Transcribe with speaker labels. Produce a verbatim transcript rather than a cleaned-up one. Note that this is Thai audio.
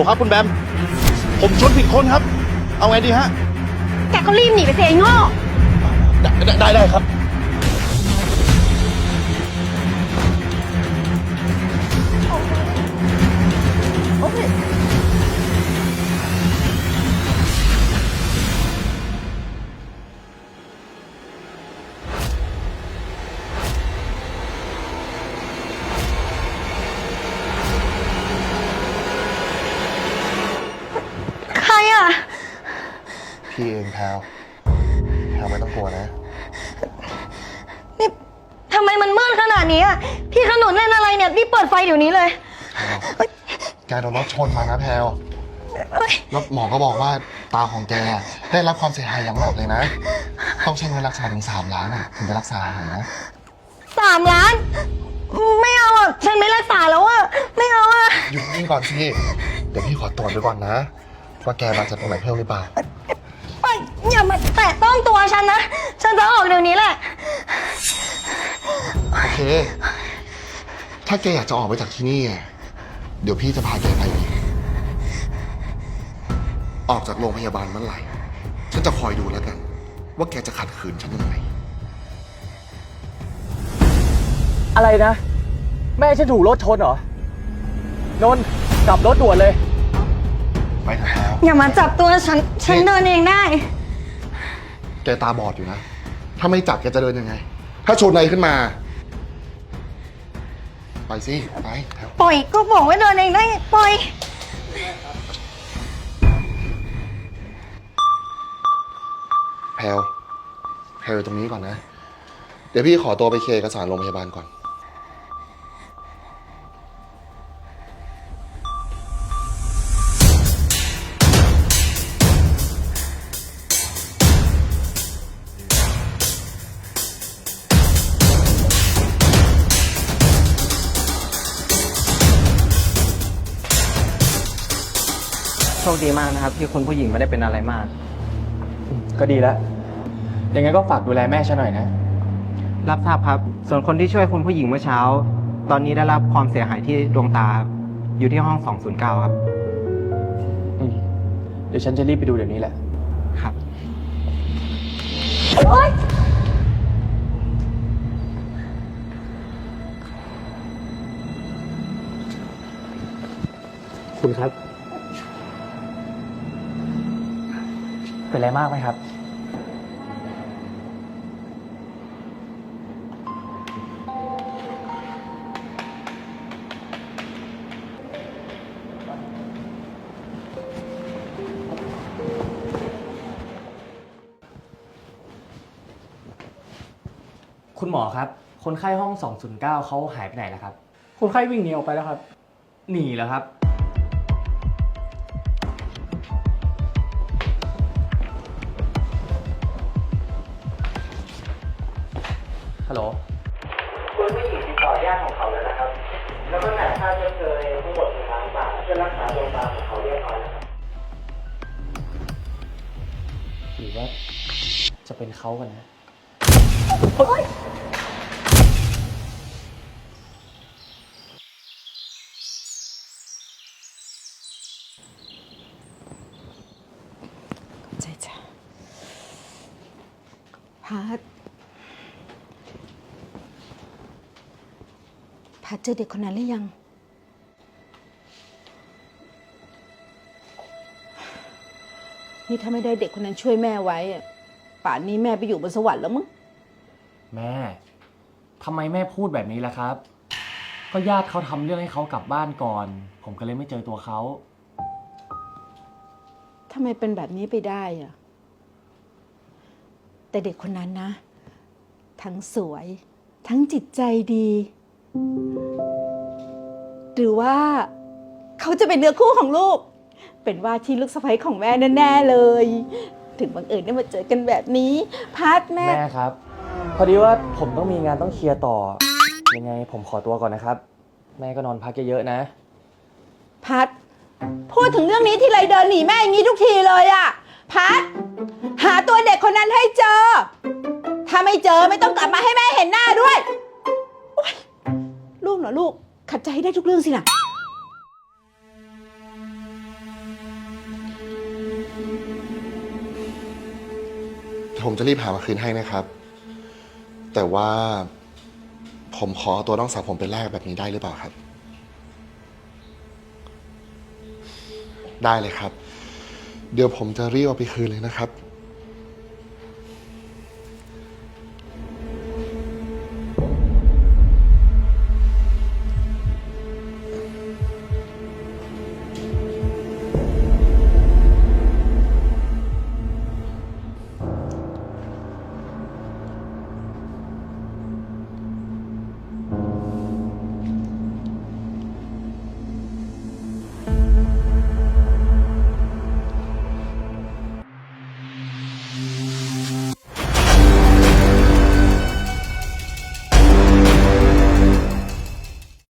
Speaker 1: ครับคุณแบมผมชนผิดคนครับเอาไงดีฮะ
Speaker 2: แกก็รีบหนีไปสิไอ้โง่
Speaker 1: ได้ได้ได้ครับ
Speaker 2: โอเคใครอ่ะ
Speaker 1: พี่เองแพลวแพลวไม่ต้องกลัวนะ
Speaker 2: นี่ทำไมมันมืดขนาดนี้อ่ะพี่ขนุนเล่นอะไรเนี่ยพี่เปิดไฟเดี๋ยวนี้เลย
Speaker 1: แกโดนรถชนมานะแพลวแล้วหมอก็บอกว่าตาของแกได้รับความเสียหายอย่างหนักเลยนะต้องใช้เงินรักษาถึงสามล้านอ่ะถึงจะรักษาหายนะ
Speaker 2: สามล้านไม่เอาอ่ะฉันไม่รักษาแล้วอ่ะไม่เอาอ่ะ
Speaker 1: หยุดนิ่งก่อนสิเดี๋ยวพี่ขอตรวจดูก่อนนะว่าแกบาดเจ็บตรงไหนเพิ่มหรือเปล่า
Speaker 2: อย่ามาแตะต้องตัวฉันนะฉันจะออกเดี๋ยวนี้แหละ
Speaker 1: โอเคถ้าแกอยากจะออกไปจากที่นี่เดี๋ยวพี่จะพาแกไปเองออกจากโรงพยาบาลเมื่อไหร่ฉันจะคอยดูแล้วกันว่าแกจะขัดขืนฉันยังไง
Speaker 3: อะไรนะแม่ฉันถูกรถชนเหรอนนท์กลับรถด่วนเลย
Speaker 1: ไปเถอะแล้ว
Speaker 2: อย่ามาจับตัวฉันฉันเดินเองได้
Speaker 1: แกตาบอดอยู่นะถ้าไม่จับแกจะเดินยังไงถ้าชนอะไรขึ้นมาไปสิไป
Speaker 2: ปล่อยก็บอกว่าเดินเองได้ปล่อย
Speaker 1: แพลวแพลวตรงนี้ก่อนนะเดี๋ยวพี่ขอตัวไปเคลียร์เอกสารโรงพยาบาลก่อน
Speaker 3: โชคดีมากนะครับที่คุณผู้หญิงไม่ได้เป็นอะไรมากก็ดีแล้วยังไงก็ฝากดูแลแม่ฉันหน่อยนะ
Speaker 4: รับทราบครับส่วนคนที่ช่วยคุณผู้หญิงเมื่อเช้าตอนนี้ได้รับความเสียหายที่ดวงตาอยู่ที่ห้องสองศูนย์เก้าครับ
Speaker 3: เดี๋ยวฉันจะรีบไปดูเดี๋ยวนี้แหละ
Speaker 4: ครับ
Speaker 2: โอ๊ย
Speaker 3: คุณครับเป็นอะไรมากไหมครับคุณหมอครับคนไข้ห้องสองศูนย์เก้าเขาหายไปไหนแล้วครับ
Speaker 5: คนไข้วิ่งหนีออกไปแล้วครับ
Speaker 3: หนีแล้วครับฮัลโหลคุณผู้หญิงติดต่อญาติของเขาแล้วนะครับแล้วก็จ่ายค่าชดเชยทั้งหมดหนึ่งล้านบาทเพื่อรักษาดวงตาของเขาเรียบร้อยแล้วครับหรือว่าจะเป็นเขากันนะ
Speaker 6: ใจจ้ะพัดพัดเจอเด็กคนนั้นหรือยังนี่ถ้าไม่ได้เด็กคนนั้นช่วยแม่ไว้ป่านนี้แม่ไปอยู่บนสวรรค์แล้วมั้ง
Speaker 3: แม่ทำไมแม่พูดแบบนี้ล่ะครับก็ญาติเขาทำเรื่องให้เขากลับบ้านก่อนผมก็เลยไม่เจอตัวเขา
Speaker 6: ทำไมเป็นแบบนี้ไปได้อะแต่เด็กคนนั้นนะทั้งสวยทั้งจิตใจดีหรือว่าเขาจะเป็นเนื้อคู่ของลูกเป็นว่าที่ลูกสะใภ้ของแม่แน่ๆเลยถึงบังเอิญได้มาเจอกันแบบนี้พัดแม่
Speaker 3: แม่ครับพอดีว่าผมต้องมีงานต้องเคลียร์ต่อยังไงผมขอตัวก่อนนะครับแม่ก็นอนพักเยอะๆนะ
Speaker 6: พัดพูดถึงเรื่องนี้ที่ไรเดินหนีแม่อย่างนี้ทุกทีเลยอะพัดหาตัวเด็กคนนั้นให้เจอถ้าไม่เจอไม่ต้องกลับมาให้แม่เห็นหน้าด้วยลูกเหรอลูกขัดใจให้ได้ทุกเรื่องสินะ
Speaker 1: ผมจะรีบหามาคืนให้นะครับ แต่ว่าผมขอเอาตัวน้องสาวผมไปแลกแบบนี้ได้หรือเปล่าครับ ได้เลยครับ เดี๋ยวผมจะรีบเอาไปคืนเลยนะครับ